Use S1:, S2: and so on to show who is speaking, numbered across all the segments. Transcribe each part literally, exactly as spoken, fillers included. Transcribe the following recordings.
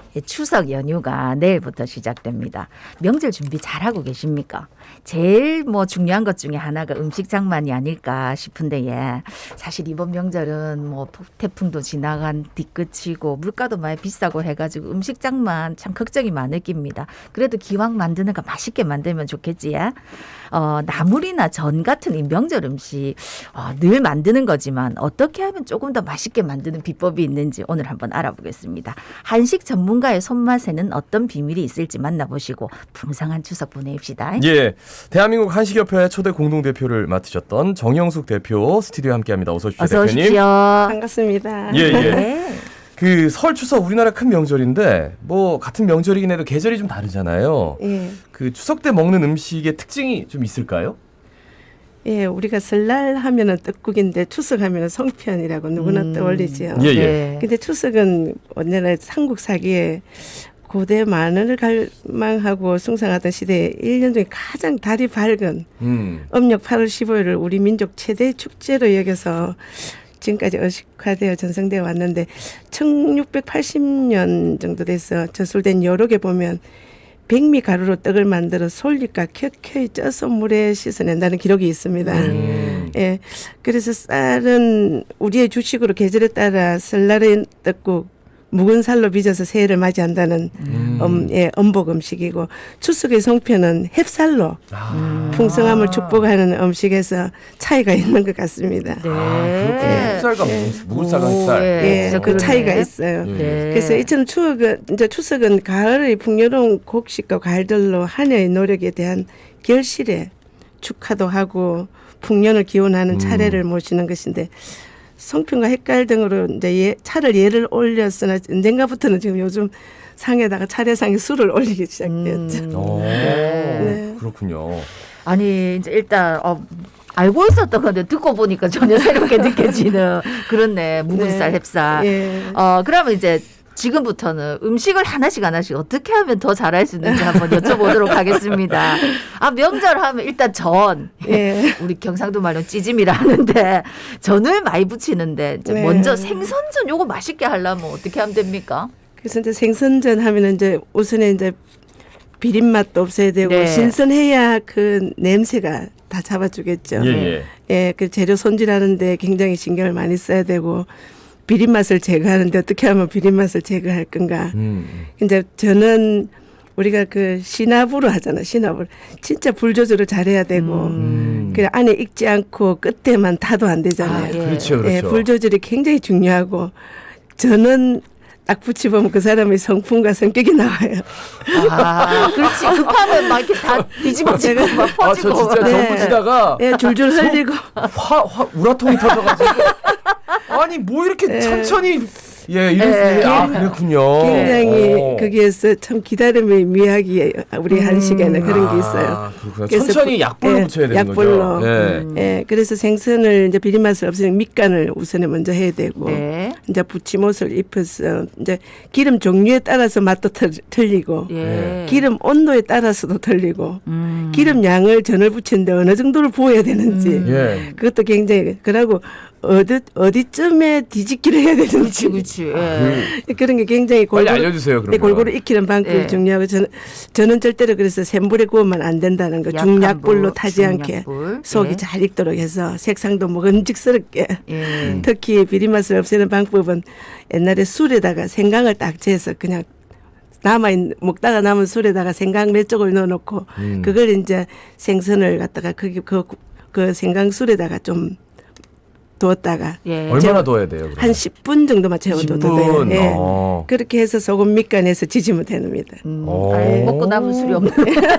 S1: 추석 연휴가 내일부터 시작됩니다. 명절 준비 잘하고 계십니까? 제일 뭐 중요한 것 중에 하나가 음식 장만이 아닐까 싶은데 예. 사실 이번 명절은 뭐 태풍도 지나간 뒤끝이고 물가도 많이 비싸고 해가지고 음식 장만 참 걱정이 많을 깁니다. 그래도 기왕 만드는 거 맛있게 만들면 좋겠지. 예? 어, 나물이나 전 같은 이 명절 음식 어, 늘 만드는 거지만 어떻게 하면 조금 더 맛있게 만드는 비법이 있는지 오늘 한번 알아보겠습니다. 한식 전문가의 손맛에는 어떤 비밀이 있을지 만나보시고 풍성한 추석 보내십시다.
S2: 예, 대한민국 한식협회 초대 공동대표를 맡으셨던 정영숙 대표 스튜디오에 함께합니다. 어서 오십시오,
S1: 어서
S2: 대표님.
S1: 오십시오.
S3: 반갑습니다.
S2: 예, 예.
S1: 네.
S2: 그 설, 추석 우리나라 큰 명절인데 뭐 같은 명절이긴 해도 계절이 좀 다르잖아요.
S3: 예.
S2: 그 추석 때 먹는 음식의 특징이 좀 있을까요?
S3: 예, 우리가 설날 하면은 떡국인데 추석 하면은 송편이라고 누구나
S1: 음.
S3: 떠올리죠.
S2: 예, 예.
S1: 네.
S3: 근데 추석은 언제나 삼국 사기에 고대 만원을 갈망하고 숭상하던 시대에 일 년 중에 가장 달이 밝은
S2: 음.
S3: 음력 팔월 십오일을 우리 민족 최대 축제로 여겨서 지금까지 의식화되어 전승되어 왔는데 천육백팔십 년 정도 돼서 저술된 여록에 보면 백미 가루로 떡을 만들어 솔잎과 켜켜이 쪄서 물에 씻어낸다는 기록이 있습니다.
S2: 음.
S3: 예, 그래서 쌀은 우리의 주식으로 계절에 따라 설날의 떡국 묵은 살로 빚어서 새해를 맞이한다는
S2: 음.
S3: 음, 예, 음복 음식이고 추석의 송편은 햅쌀로
S2: 아.
S3: 풍성함을 축복하는 음식에서 차이가 있는 것 같습니다.
S1: 네.
S2: 아, 그렇군요. 햇살과
S3: 예.
S2: 묵은쌀과
S1: 오,
S2: 햇살.
S1: 예.
S3: 예,
S1: 진짜
S3: 그
S1: 그러네.
S3: 차이가 있어요.
S2: 예.
S1: 네.
S3: 그래서 이처럼 추억은 이제 추석은 가을의 풍요로운 곡식과 과일들로 한 해의 노력에 대한 결실에 축하도 하고 풍년을 기원하는
S2: 음.
S3: 차례를 모시는 것인데 송편과 헷갈 등으로 이제 예, 차를 예를 올렸으나 언젠가부터는 지금 요즘 상에다가 차례상에 술을 올리기 시작했죠.
S1: 음.
S2: 오,
S3: 네.
S2: 그렇군요.
S1: 아니 이제 일단 어, 알고 있었던 건데 듣고 보니까 전혀 새롭게 느껴지는 그렇네. 묵은 쌀,
S3: 네.
S1: 햅쌀.
S3: 예.
S1: 어 그러면 이제 지금부터는 음식을 하나씩 하나씩 어떻게 하면 더 잘할 수 있는지 한번 여쭤보도록 하겠습니다. 아 명절 하면 일단 전.
S3: 예.
S1: 우리 경상도 말로 찌짐이라 하는데 전을 많이 부치는데 이제
S3: 네.
S1: 먼저 생선전 요거 맛있게 하려면 어떻게 하면 됩니까?
S3: 그래서 이제 생선전 하면은 이제 우선에 이제 비린 맛도 없어야 되고
S1: 네.
S3: 신선해야 그 냄새가 다 잡아주겠죠.
S2: 예, 예.
S3: 예, 그 재료 손질하는데 굉장히 신경을 많이 써야 되고 비린 맛을 제거하는데 어떻게 하면 비린 맛을 제거할 건가.
S2: 음.
S3: 이제 저는 우리가 그 시나브로 하잖아. 시나브로 진짜 불 조절을 잘해야 되고
S2: 음.
S3: 그 안에 익지 않고 끝에만 타도 안 되잖아요.
S1: 아, 예.
S2: 그렇죠, 그렇죠.
S3: 예, 불 조절이 굉장히 중요하고 저는 딱 붙여보면 그 사람의 성품과 성격이 나와요.
S1: 아 그렇지 급하면 막 이렇게 다 뒤집어지고 막
S2: 아, 저
S1: 퍼지고.
S2: 진짜
S3: 네.
S2: 정부지다가
S3: 예, 줄줄 흘리고
S2: 화, 화, 우라통이 터져가지고. 아니, 뭐 이렇게
S3: 네.
S2: 천천히. 예, 이런,
S1: 예.
S2: 예. 아, 그렇군요.
S3: 굉장히
S2: 오.
S3: 거기에서 참 기다림의 미학이 우리 한식에는 그런 게 있어요.
S2: 아, 그렇구나.
S3: 그래서
S2: 천천히
S3: 부-
S2: 약불로
S3: 예,
S2: 붙여야 되는
S3: 약불로.
S2: 거죠. 예.
S1: 음.
S3: 예, 그래서 생선을 이제 비린 맛을 없애는 밑간을 우선에 먼저 해야 되고
S1: 네.
S3: 이제 부침옷을 입혀서 이제 기름 종류에 따라서 맛도 틀, 틀리고
S1: 예.
S3: 기름 온도에 따라서도 틀리고
S1: 음.
S3: 기름 양을 전을 부치는데 어느 정도를 부어야 되는지
S1: 음.
S2: 예.
S3: 그것도 굉장히 그러고 어디 어디쯤에 뒤집기를 해야
S1: 그렇지
S3: 되는지
S1: 그렇지. 예.
S3: 그런 게 굉장히
S2: 빨리
S3: 골고루
S2: 알려주세요, 그러면.
S3: 네, 골고루 익히는 방법이
S1: 네.
S3: 중요하고 저는 저는 절대로 그래서 센불에 구우면 안 된다는 거.
S1: 약한
S3: 중약불로
S1: 불,
S3: 타지 않게
S1: 중약불.
S3: 속이
S1: 예.
S3: 잘 익도록 해서 색상도 먹음직스럽게.
S1: 예.
S3: 특히 비린 맛을 없애는 방법은 옛날에 술에다가 생강을 딱 재서 그냥 남아 있는 먹다가 남은 술에다가 생강 몇 쪽을 넣어놓고
S2: 음.
S3: 그걸 이제 생선을 갖다가 거기 그, 그 생강술에다가 좀 두었다가
S1: 예.
S2: 얼마나 둬야 돼요? 그러면?
S3: 한 십 분 정도만 채워둬도
S2: 십
S3: 돼요.
S2: 분.
S3: 예.
S2: 어.
S3: 그렇게 해서 소금 밑간에서 지지면 됩니다.
S1: 음,
S2: 오.
S1: 아이, 먹고 남은 술이 없네.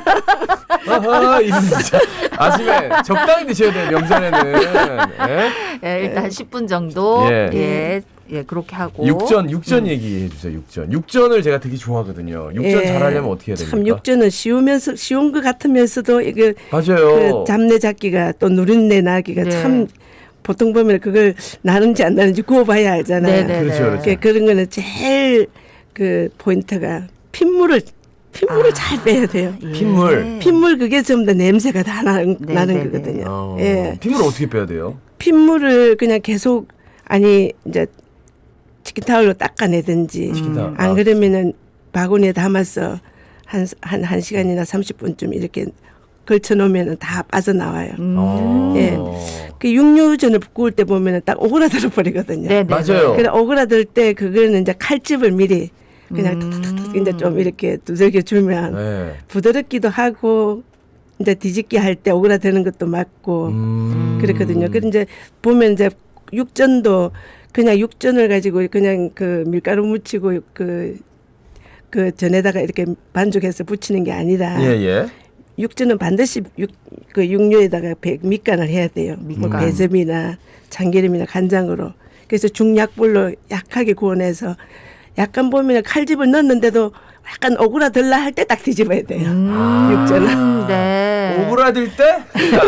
S2: 아하, 이거 진짜 아침에 적당히 드셔야 돼요, 명절에는. 예?
S1: 예, 일단 한 십 분 정도.
S2: 예.
S1: 예. 예, 그렇게 하고.
S2: 육전, 육전 얘기해 주세요, 육전. 육전을 제가 되게 좋아하거든요. 육전
S3: 예.
S2: 잘하려면 어떻게 해야 됩니까?
S3: 참 육전은 쉬우면서 쉬운 것 같으면서도 이게
S2: 맞아요.
S3: 그 잡내 잡기가 또 누린내 나기가
S1: 네.
S3: 참 보통 보면 그걸 나는지 안 나는지 구워봐야 알잖아요.
S1: 네네네.
S2: 그렇죠, 그렇죠.
S3: 그러니까 그런 거는 제일 그 포인트가 핏물을 핏물을
S1: 아.
S3: 잘 빼야 돼요.
S1: 예.
S2: 핏물.
S3: 핏물 그게 전부 다 냄새가 다 나는,
S1: 네,
S3: 나는
S1: 네, 네.
S3: 거거든요.
S2: 어.
S3: 예.
S2: 핏물 어떻게 빼야 돼요?
S3: 핏물을 그냥 계속 아니 이제 치킨타올로 닦아내든지
S2: 치킨타올.
S3: 안
S2: 아,
S3: 그러면은 바구니에 담아서 한, 한, 한 시간이나 삼십 분쯤 이렇게 걸쳐 놓으면 다 빠져나와요.
S1: 음.
S2: 어.
S3: 예. 그 육류전을 구울 때 보면은 딱 오그라들어 버리거든요.
S1: 네네.
S2: 맞아요.
S3: 그래 오그라들 때 그거는 이제 칼집을 미리 그냥
S1: 음.
S3: 툭툭툭 이제 좀 이렇게 두들겨 주면
S2: 네.
S3: 부드럽기도 하고 이제 뒤집기 할 때 오그라드는 것도 맞고
S2: 음.
S3: 그렇거든요. 그런데 이제 보면 이제 육전도 그냥 육전을 가지고 그냥 그 밀가루 묻히고 그, 그 전에다가 이렇게 반죽해서 부치는 게 아니라
S2: 예, 예.
S3: 육전은 반드시 육, 그 육류에다가 배, 밑간을 해야 돼요. 뭐
S1: 밑간.
S3: 배즙이나 참기름이나 간장으로. 그래서 중약불로 약하게 구워내서 약간 보면 칼집을 넣었는데도 약간 오그라들라 할 때 딱 뒤집어야 돼요.
S1: 음.
S3: 육전은.
S1: 네.
S2: 오그라들 때?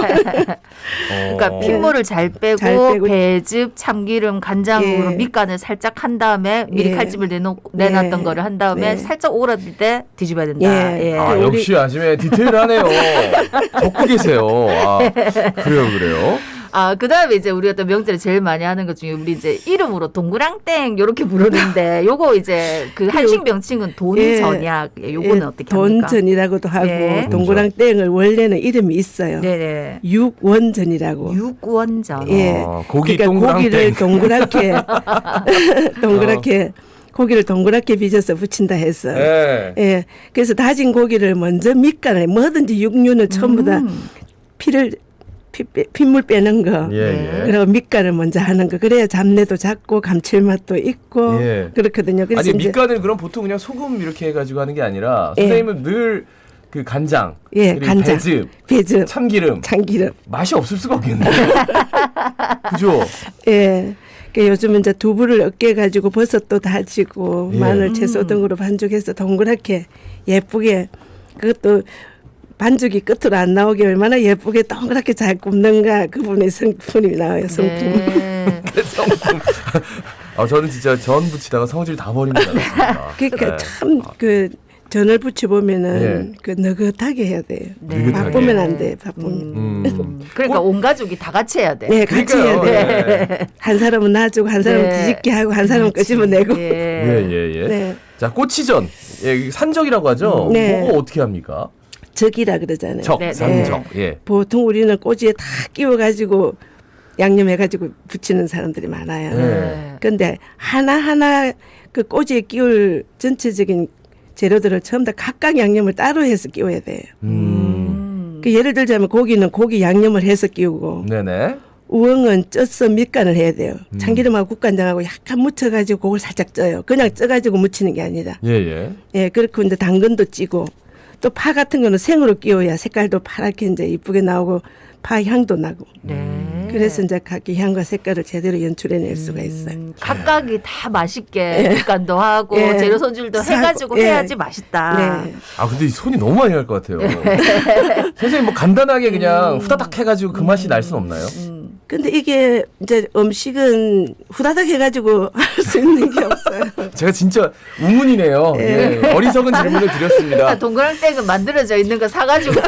S1: 그러니까
S2: 어.
S1: 핏물을 잘 빼고,
S3: 잘 빼고.
S1: 배즙, 참기름, 간장으로
S3: 예.
S1: 밑간을 살짝 한 다음에 미리
S3: 예.
S1: 칼집을 내놓고 내놨던
S3: 네.
S1: 거를 한 다음에
S3: 네.
S1: 살짝 오그라들 때 뒤집어야 된다.
S3: 예.
S1: 예.
S2: 아,
S3: 우리-
S2: 역시 아침에 디테일하네요. 적고 계세요. 아, 그래요, 그래요.
S1: 아, 그 다음에 이제 우리가 또 명절에 제일 많이 하는 것 중에 우리 이제 이름으로 동그랑땡 요렇게 부르는데 요거 이제 그 한식 명칭은 돈전약. 예, 요거는 어떻게 합니까?
S3: 돈전이라고도 하고
S1: 네.
S3: 동그랑땡을 원래는 이름이 있어요.
S1: 네네.
S3: 육원전이라고.
S1: 육원전.
S3: 예.
S2: 아, 고기
S3: 그러니까
S2: 동그랑땡.
S3: 고기를 동그랗게 동그랗게 고기를 동그랗게 빚어서 부친다 해서
S2: 네.
S3: 예. 그래서 다진 고기를 먼저 밑간을 뭐든지 육류는 전부 다
S1: 음.
S3: 피를 피, 빼- 핏물 빼는 거.
S2: 예, 예.
S3: 그리고 밑간을 먼저 하는 거. 그래야 잡내도 작고 감칠맛도 있고
S2: 예.
S3: 그렇거든요. 그래서
S2: 아니,
S3: 이제
S2: 밑간을 그럼 보통 그냥 소금 이렇게 해가지고 하는 게 아니라
S3: 예.
S2: 선생님은 늘 그 간장,
S3: 예,
S2: 그리고
S3: 간장.
S2: 배즙,
S3: 배즙,
S2: 참기름
S3: 참기름.
S2: 맛이 없을 수가 없겠네요. 그죠?
S3: 예. 그 요즘은 이제 두부를 으깨 가지고 버섯도 다지고
S2: 예.
S3: 마늘, 채소 등으로 반죽해서 동그랗게 예쁘게 그것도 반죽이 끝으로 안 나오게 얼마나 예쁘게 동그랗게 잘 굽는가 그분의 성품이 나와요. 성품.
S1: 네.
S2: 성품. 아, 저는 진짜 전 부치다가 성질 다 버린 줄 알았습니다.
S3: 그러니까
S2: 네.
S3: 참 그 전을 부쳐 보면은
S2: 예.
S3: 그 느긋하게 해야 돼요.
S1: 네.
S2: 느긋하게.
S3: 바쁘면 안 돼. 바쁘면.
S2: 음.
S1: 음. 그러니까 온 가족이 다 같이 해야 돼.
S3: 네, 같이 해야
S2: 그러니까요.
S3: 돼.
S2: 예.
S3: 한 사람은 놔주고 한 사람은
S1: 네.
S3: 뒤집게 하고 한 사람은
S1: 그렇지.
S3: 끄집어내고.
S1: 예.
S2: 예, 예, 예.
S3: 네.
S2: 자, 꼬치전. 예, 이게 산적이라고 하죠?
S3: 네.
S2: 그거 어떻게 합니까?
S3: 적이라 그러잖아요.
S2: 적,
S1: 네, 네.
S2: 산적. 예.
S3: 보통 우리는 꼬지에 다 끼워 가지고 양념해 가지고 부치는 사람들이 많아요.
S2: 네.
S3: 근데 하나하나 그 꼬지에 끼울 전체적인 재료들을 처음 다 각각 양념을 따로 해서 끼워야 돼요.
S2: 음.
S1: 음.
S3: 그 예를 들자면 고기는 고기 양념을 해서 끼우고
S2: 네네.
S3: 우엉은 쪄서 밑간을 해야 돼요.
S2: 음.
S3: 참기름하고 국간장하고 약간 묻혀가지고 그걸 살짝 쪄요. 그냥 쪄가지고 묻히는 게 아니라.
S2: 예, 예.
S3: 예, 그렇고 이제 당근도 찌고 또 파 같은 거는 생으로 끼워야 색깔도 파랗게 이제 이쁘게 나오고 파 향도 나고.
S1: 네.
S3: 그래서 이제 각기 향과 색깔을 제대로 연출해낼 수가 있어요.
S1: 음, 각각이 다 맛있게 국간도 하고
S3: 예.
S1: 재료 손질도
S3: 사고,
S1: 해가지고
S3: 예.
S1: 해야지 맛있다.
S3: 네.
S2: 아, 근데 이 손이 너무 많이 갈 것 같아요. 선생님 뭐 간단하게 그냥 후다닥 해가지고 그 맛이 날 수는 없나요?
S1: 음.
S3: 근데 이게 이제 음식은 후다닥 해가지고 할 수 있는 게 없어요.
S2: 제가 진짜 우문이네요. 예. 어리석은 질문을 드렸습니다.
S1: 아, 동그랑땡은 만들어져 있는 거 사가지고.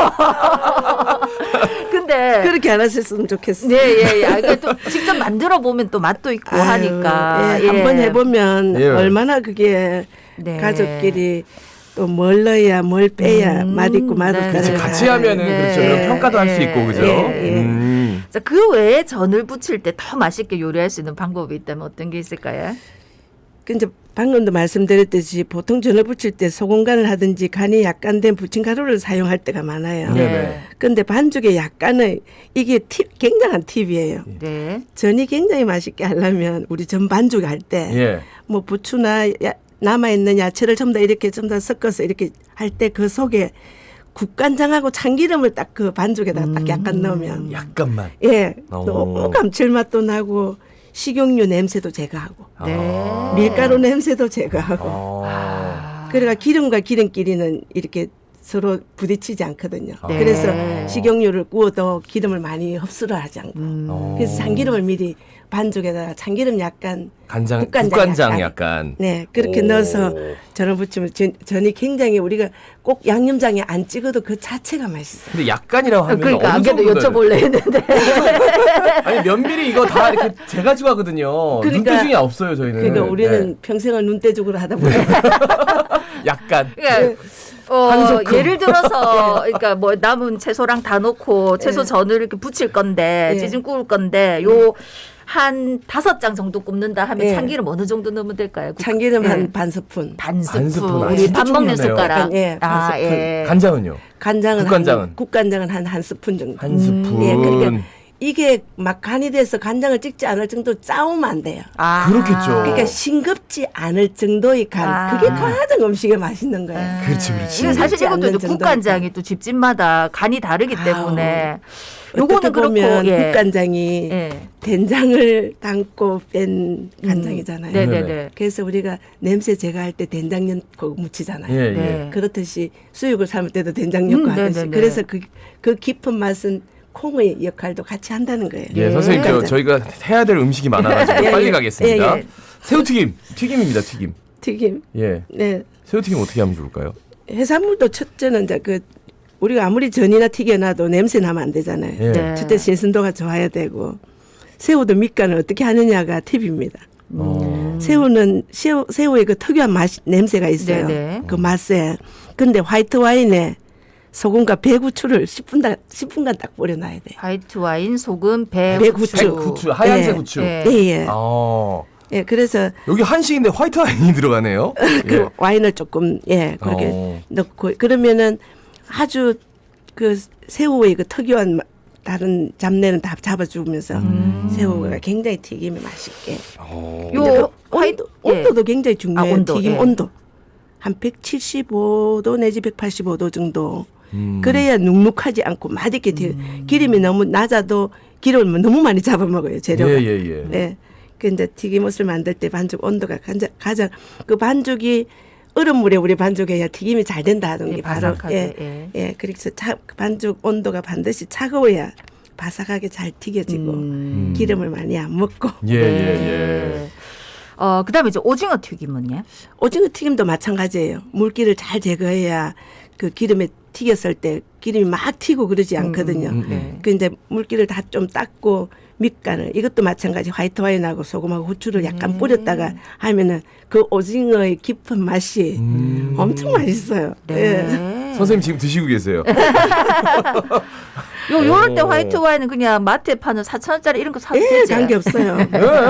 S1: 근데
S3: 그렇게 안 하셨으면 좋겠어요.
S1: 네, 예, 예. 아, 그러니까 또 직접 만들어 보면 또 맛도 있고
S3: 아유,
S1: 하니까.
S3: 예, 한번 해보면
S2: 예.
S3: 얼마나 그게
S1: 네.
S3: 가족끼리 또 뭘 넣어야 뭘 빼야
S1: 음,
S3: 맛있고
S1: 네,
S3: 맛없고
S2: 그렇지,
S1: 네.
S2: 같이 하면은
S1: 네.
S2: 그렇죠. 이런 평가도 할 수
S1: 네.
S2: 있고 그죠?
S3: 예, 예.
S2: 음.
S1: 자, 그 외에 전을 부칠 때 더 맛있게 요리할 수 있는 방법이 있다면 어떤 게 있을까요?
S3: 그 이제 방금도 말씀드렸듯이 보통 전을 부칠 때 소금간을 하든지 간이 약간 된 부침가루를 사용할 때가 많아요.
S2: 네.
S1: 네.
S3: 근데 반죽에 약간의 이게 팁, 굉장한 팁이에요.
S1: 네.
S3: 전이 굉장히 맛있게 하려면 우리 전 반죽 할 때
S2: 예.
S3: 뭐 부추나 야, 남아있는 야채를 전부 다 이렇게 전부 다 섞어서 이렇게 할 때 그 속에 국간장하고 참기름을 딱 그 반죽에다 딱
S1: 음.
S3: 약간 넣으면
S2: 약간만.
S3: 예
S2: 오.
S3: 너무 감칠맛도 나고 식용유 냄새도 제거하고
S1: 네.
S2: 아.
S3: 밀가루 냄새도 제거하고
S2: 아.
S1: 아.
S3: 그러니까 기름과 기름끼리는 이렇게 서로 부딪히지 않거든요.
S2: 네.
S3: 그래서 식용유를 구워도 기름을 많이 흡수를 하지 않고
S1: 음.
S2: 어.
S3: 그래서 참기름을 미리 반죽에다가 참기름 약간
S2: 간장,
S3: 국간장
S2: 국간장
S3: 약간.
S2: 약간.
S3: 네 그렇게
S2: 오.
S3: 넣어서 전을 부치면 전, 전이 굉장히 우리가 꼭 양념장에 안 찍어도 그 자체가 맛있어요.
S2: 근데 약간이라고 하면
S1: 그러니까
S2: 어느
S1: 안 그래도
S2: 정도
S1: 여쭤볼래 했는데.
S2: 아니 면밀히 이거 다 이렇게 재가지고 하거든요.
S3: 그러니까-
S2: 눈대중이 없어요 저희는.
S3: 그러니까 우리는
S2: 네.
S3: 평생을 눈대중으로 하다 보니까
S2: 약간.
S1: 그러니까 어,
S2: 한 소끔.
S1: 예를 들어서 그러니까 뭐 남은 채소랑 다 넣고 채소
S3: 예.
S1: 전을 이렇게 부칠 건데
S3: 예.
S1: 찌짐 구울 건데 요 한 다섯 장 정도 굽는다 하면
S3: 예.
S1: 참기름 어느 정도 넣으면 될까요? 국-
S3: 참기름
S1: 예.
S3: 한 반 스푼,
S1: 반
S2: 반 스푼.
S1: 스푼.
S2: 아,
S1: 우리
S2: 진짜
S1: 밥 먹는
S2: 중요하네요.
S1: 숟가락.
S3: 약간, 예, 반
S1: 아,
S3: 스푼.
S1: 예.
S2: 간장은요?
S3: 간장은
S2: 국간장은?
S3: 한, 국간장은 한 한 스푼 정도.
S2: 한 스푼.
S3: 예, 그러니까 이게 막 간이 돼서 간장을 찍지 않을 정도 짜우면 안 돼요.
S1: 아.
S2: 그렇겠죠.
S3: 그러니까 싱겁지 않을 정도의 간.
S1: 아.
S3: 그게 가장 음식에 맛있는 거예요.
S2: 그렇지, 그렇지.
S1: 이거 사실
S3: 싱겁지
S1: 이것도
S3: 않는
S1: 이제
S3: 정도의
S1: 국간장이 또 집집마다 간이 다르기 때문에
S3: 어떻게
S1: 요거는 그렇고
S3: 보면
S1: 예.
S3: 국간장이
S1: 예.
S3: 된장을 담고 뺀 간장이잖아요.
S1: 네네네.
S3: 그래서 우리가 냄새 제거할 때 된장 넣고 무치잖아요.
S2: 예, 예.
S1: 네.
S3: 그렇듯이 수육을 삶을 때도 된장 넣고
S1: 음,
S3: 하듯이.
S1: 네네네.
S3: 그래서 그, 그 깊은 맛은 콩의 역할도 같이 한다는 거예요.
S2: 예, 선생님 저,
S3: 국간장.
S2: 저희가 해야 될 음식이 많아가지고
S3: 예,
S2: 빨리
S3: 예.
S2: 가겠습니다.
S3: 예, 예.
S2: 새우튀김, 튀김입니다, 튀김.
S3: 튀김.
S2: 예,
S3: 네.
S2: 새우튀김 어떻게 하면 좋을까요?
S3: 해산물도 첫째는 이제 그 우리가 아무리 전이나 튀겨놔도 냄새 나면 안 되잖아요.
S2: 예.
S1: 네.
S3: 첫째 신선도가 좋아야 되고 새우도 밑간을 어떻게 하느냐가 팁입니다.
S2: 어.
S3: 새우는 새우, 새우의 그 특유한 맛 냄새가 있어요.
S1: 네네.
S3: 그 맛에. 근데 화이트 와인에 소금과 배구추를 십 분간 십 분간 딱 뿌려놔야 돼요.
S1: 화이트 와인, 소금, 배,
S3: 배후추.
S1: 후추.
S2: 백후추, 하얀색
S3: 예.
S2: 후추.
S1: 예.
S3: 예, 예.
S2: 아,
S3: 예, 그래서
S2: 여기 한식인데 화이트 와인이 들어가네요.
S3: 그
S2: 예.
S3: 와인을 조금 예 그렇게
S2: 어.
S3: 넣고 그러면은 아주 그 새우의 그 특유한 마- 다른 잡내는 다 잡아주면서
S1: 음.
S3: 새우가 굉장히 튀김이 맛있게.
S2: 어.
S1: 요
S3: 근데 그
S1: 화이트-
S3: 온도,
S1: 예.
S3: 온도도 굉장히 중요해요.
S1: 아, 온도,
S3: 튀김
S1: 예.
S3: 온도 한 백칠십오 도 내지 백팔십오 도 정도.
S2: 음.
S3: 그래야 눅눅하지 않고 맛있게 튀. 기름이 너무 낮아도 기름을 너무 많이 잡아먹어요 재료가.
S2: 예, 예, 예.
S3: 네. 그 이제 튀김옷을 만들 때 반죽 온도가 가장, 가장 그 반죽이 얼음 물에 우리 반죽해야 튀김이 잘 된다 하는 게
S1: 예,
S3: 바로
S1: 바삭하게,
S3: 예,
S1: 예.
S3: 예. 그래서 차, 반죽 온도가 반드시 차가워야 바삭하게 잘 튀겨지고
S1: 음.
S3: 기름을 많이 안 먹고
S2: 예, 예,
S1: 네.
S2: 예.
S1: 어, 그다음에 이제 오징어 튀김은요?
S3: 오징어 튀김도 마찬가지예요. 물기를 잘 제거해야 그 기름에 튀겼을 때 기름이 막 튀고 그러지 않거든요.
S2: 음, 음.
S1: 네.
S3: 그 이제 물기를 다 좀 닦고 밑간을 이것도 마찬가지 화이트 와인하고 소금하고 후추를 약간
S1: 음.
S3: 뿌렸다가 하면은 그 오징어의 깊은 맛이
S2: 음.
S3: 엄청 맛있어요. 예.
S1: 네.
S2: 선생님 지금 드시고 계세요.
S1: 요 요럴 때
S2: 오.
S1: 화이트 와인은 그냥 마트에 파는 사천 원짜리 이런 거 사도
S3: 예,
S1: 되지.
S3: 관계 없어요.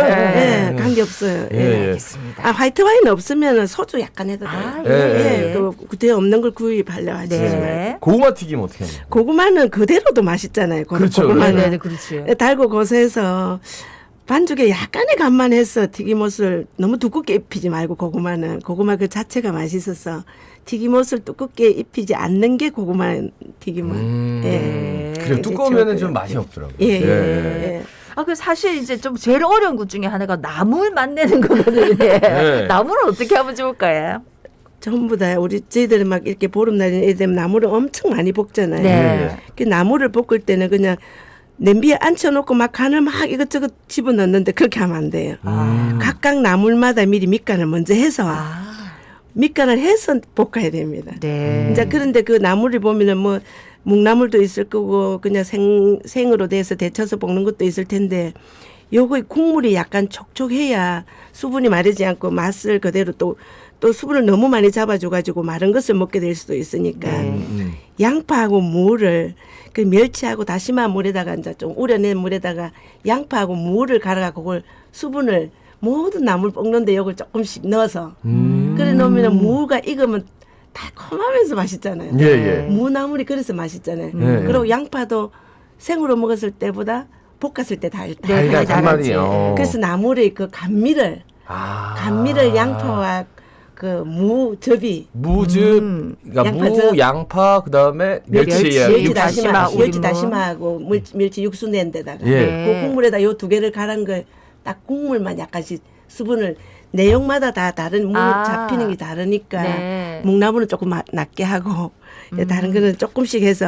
S1: 네.
S3: 예, 관계 없어요.
S2: 예,
S3: 예.
S2: 예.
S1: 알겠습니다.
S3: 아, 화이트 와인 없으면 소주 약간 해도 돼요.
S1: 아,
S2: 예,
S3: 예,
S1: 예.
S3: 그 그때 없는 걸 구입하려 하지.
S1: 네.
S2: 고구마 튀김 어떻게 합니까?
S3: 고구마는 그대로도 맛있잖아요. 고-
S2: 그렇죠,
S1: 네,
S3: 고구마는
S1: 네, 네, 그렇지.
S3: 예, 달고 고소해서 반죽에 약간의 간만 해서 튀김옷을 너무 두껍게 입히지 말고 고구마는 고구마 그 자체가 맛있어서 튀김옷을 두껍게 입히지 않는 게 고구마 튀김은
S2: 음.
S3: 예.
S2: 그래
S3: 이게
S2: 두꺼우면은
S3: 최고예요.
S2: 좀 맛이 없더라고요.
S3: 예, 예.
S2: 예.
S3: 예.
S1: 아, 그 사실 이제 좀 제일 어려운 것 중에 하나가 나물 맛내는 거거든요.
S2: 네.
S1: 나물을 어떻게 하면 좋을까요?
S3: 전부 다 우리 저희들은 막 이렇게 보름날이 이래 되면 나물을 엄청 많이 볶잖아요.
S1: 네.
S3: 그 나물을 볶을 때는 그냥 냄비에 앉혀놓고 막 간을 막 이것저것 집어넣는데 그렇게 하면 안 돼요.
S2: 음.
S3: 각각 나물마다 미리 밑간을 먼저 해서
S1: 아,
S3: 밑간을 해서 볶아야 됩니다.
S1: 네.
S3: 이제 그런데 그 나물을 보면은 뭐 묵나물도 있을 거고 그냥 생 생으로 돼서 데쳐서 볶는 것도 있을 텐데 요거 국물이 약간 촉촉해야 수분이 마르지 않고 맛을 그대로 또 또 수분을 너무 많이 잡아줘가지고 마른 것을 먹게 될 수도 있으니까
S2: 음.
S3: 양파하고 무를 그 멸치하고 다시마 물에다가 이제 좀 우려낸 물에다가 양파하고 무를 갈아가 그걸 수분을 모든 나물 볶는데 요걸 조금씩 넣어서
S2: 음.
S3: 그래 놓으면 무가 익으면 달콤하면서 맛있잖아요.
S2: 예, 예.
S3: 무나물이 그래서 맛있잖아요.
S2: 예.
S3: 그리고 양파도 생으로 먹었을 때보다 볶았을 때 달달.
S1: 네,
S2: 달달
S1: 달달하지.
S2: 단맛이요.
S3: 그래서 나물의 그 감미를
S2: 아.
S3: 감미를 양파와 그 무 접이
S2: 무즙,
S1: 음.
S2: 그러니까
S3: 양파즙.
S2: 무, 양파, 그다음에 멸치,
S1: 멸치,
S2: 예,
S3: 멸치
S2: 육수.
S3: 다시마,
S1: 다시마,
S3: 멸치
S1: 우린
S3: 다시마하고 물, 멸치 육수 낸 데다가
S2: 예.
S1: 네.
S3: 그 국물에다 요 두 개를 갈은 걸 딱 국물만 약간씩 수분을 내용마다 다 다른 물
S1: 아.
S3: 잡히는 게 다르니까
S1: 네.
S3: 묵나물은 조금 마- 낮게 하고
S1: 음.
S3: 다른 거는 조금씩 해서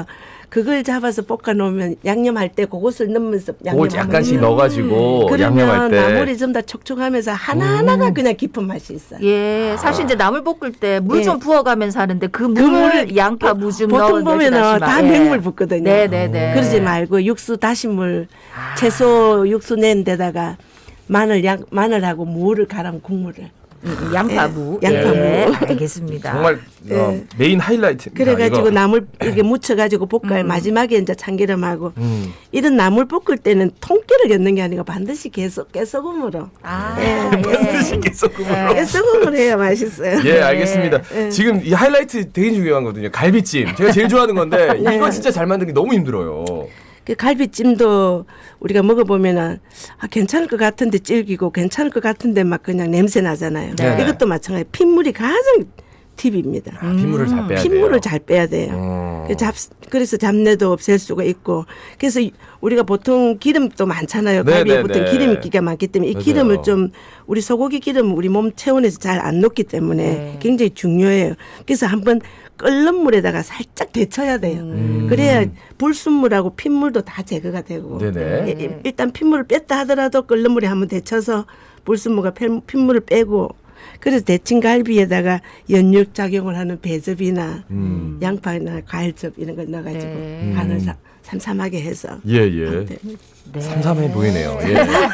S3: 그걸 잡아서 볶아 놓으면 양념할 때 그것을 넣으면서
S2: 그걸
S3: 양념하면
S2: 약간씩 넣어가지고 양념할
S3: 그러면
S2: 때.
S3: 나물이 좀 다 촉촉하면서 하나하나가
S2: 음.
S3: 그냥 깊은 맛이 있어요.
S1: 예, 사실 이제 나물 볶을 때 물
S3: 예.
S1: 좀 부어가면서 하는데 그
S3: 그
S1: 물을
S3: 물을
S1: 양파 무 좀
S3: 보통
S1: 넣은
S3: 보면은
S1: 멸치다시마.
S3: 다
S1: 예.
S3: 맹물 붓거든요.
S1: 네네네.
S3: 그러지 말고 육수 다시물
S1: 아.
S3: 채소 육수 낸 데다가 마늘 양 마늘하고 무를 갈아면 국물을
S1: 음, 양파무.
S3: 예, 양파무.
S1: 예, 알겠습니다.
S2: 정말 어,
S3: 예.
S2: 메인 하이라이트.
S3: 그래가지고 나물 이렇게 묻혀가지고 볶아요.
S1: 음.
S3: 마지막에 이제 참기름하고
S2: 음.
S3: 이런 나물 볶을 때는 통깨를 넣는 게 아니고 반드시 깨소, 깨소금으로
S1: 아,
S3: 예,
S1: 예.
S2: 반드시 깨소금으로.
S3: 깨소금으로 해야 맛있어요.
S2: 예, 알겠습니다.
S3: 예.
S2: 지금 이 하이라이트 되게 중요한 거거든요. 갈비찜. 제가 제일 좋아하는 건데
S3: 네.
S2: 이거 진짜 잘 만들기 너무 힘들어요.
S3: 그 갈비찜도 우리가 먹어보면은 아, 괜찮을 것 같은데 질기고 괜찮을 것 같은데 막 그냥 냄새 나잖아요.
S2: 네.
S3: 이것도 마찬가지. 핏물이 가장 팁입니다.
S2: 아, 핏물을 잘 빼야 돼요.
S3: 핏물을 잘 빼야 돼요.
S2: 어.
S3: 그 잡, 그래서 잡내도 없앨 수가 있고 그래서 이- 우리가 보통 기름도 많잖아요.
S2: 네,
S3: 갈비에
S2: 네,
S3: 보통
S2: 네.
S3: 기름기가 많기 때문에 이
S2: 맞아요.
S3: 기름을 좀 우리 소고기 기름 우리 몸 체온에서 잘 안 녹기 때문에
S1: 네.
S3: 굉장히 중요해요. 그래서 한번 끓는 물에다가 살짝 데쳐야 돼요.
S2: 음.
S3: 그래야 불순물하고 핏물도 다 제거가 되고
S2: 네네.
S3: 예, 예, 일단 핏물을 뺐다 하더라도 끓는 물에 한번 데쳐서 불순물과 핏- 핏물을 빼고 그래서 데친 갈비에다가 연육 작용을 하는 배즙이나
S2: 음.
S3: 양파나 과일즙 이런 걸 넣어가지고
S1: 네.
S3: 간을 사- 삼삼하게 해서
S2: 예, 예.
S3: 네.
S1: 네.
S2: 삼삼해 보이네요. 예.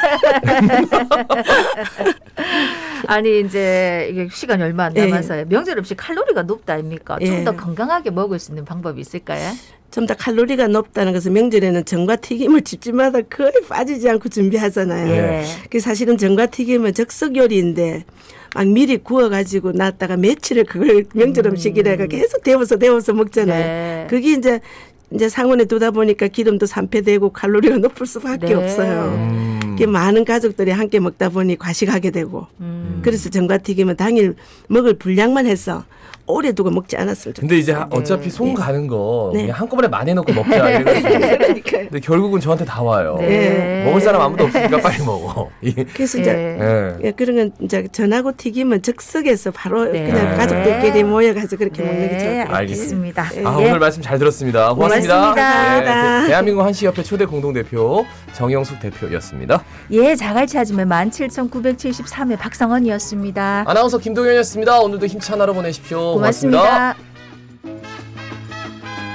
S1: 아니 이제 이게 시간이 얼마 안
S3: 예.
S1: 남아서요. 명절 음식 칼로리가 높다 아닙니까? 좀
S3: 예.
S1: 더 건강하게 먹을 수 있는 방법이 있을까요?
S3: 좀 더 칼로리가 높다는 것은 명절에는 전과 튀김을 집집마다 거의 빠지지 않고 준비하잖아요.
S1: 예.
S3: 그 사실은 전과 튀김은 즉석 요리인데 막 미리 구워가지고 놨다가 며칠을 그걸 명절 음식이라가 계속 데워서 데워서 먹잖아요.
S1: 네.
S3: 그게 이제 이제 상온에 두다 보니까 기름도 산패되고 칼로리가 높을 수밖에
S1: 네.
S3: 없어요.
S2: 음.
S3: 그게 많은 가족들이 함께 먹다 보니 과식하게 되고
S1: 음.
S3: 그래서 전과튀김은 당일 먹을 분량만 해서 오래 두고 먹지 않았으면 좋겠어요.
S2: 근데 이제 하- 어차피 손
S3: 예.
S2: 가는 거
S3: 네.
S2: 그냥 한꺼번에 많이 넣고 먹자 이래가지고.
S3: 그러니까요.
S2: 근데 결국은 저한테 다 와요.
S1: 네.
S2: 먹을 사람 아무도 없으니까 빨리 먹어. 이-
S3: 그래서 이제
S1: 예.
S2: 예.
S3: 예, 그런 건 이제 전하고 튀김은 즉석에서 바로
S1: 네.
S3: 그냥 가족들끼리 모여가지고 그렇게 먹는 게 좋을 것
S1: 네,
S3: 같아요.
S1: 알겠습니다.
S2: 아,
S1: 예.
S2: 오늘 말씀 잘 들었습니다. 고맙습니다.
S1: 고맙습니다.
S2: 예, 대- 대한민국 한시협회 초대 공동대표 정영숙 대표였습니다.
S1: 예, 자갈치 아줌의 만 칠천구백칠십삼 회 박성원이었습니다.
S2: 아나운서 김동현이었습니다. 오늘도 힘찬 하루 보내십시오.
S1: 고맙습니다.
S2: 고맙습니다.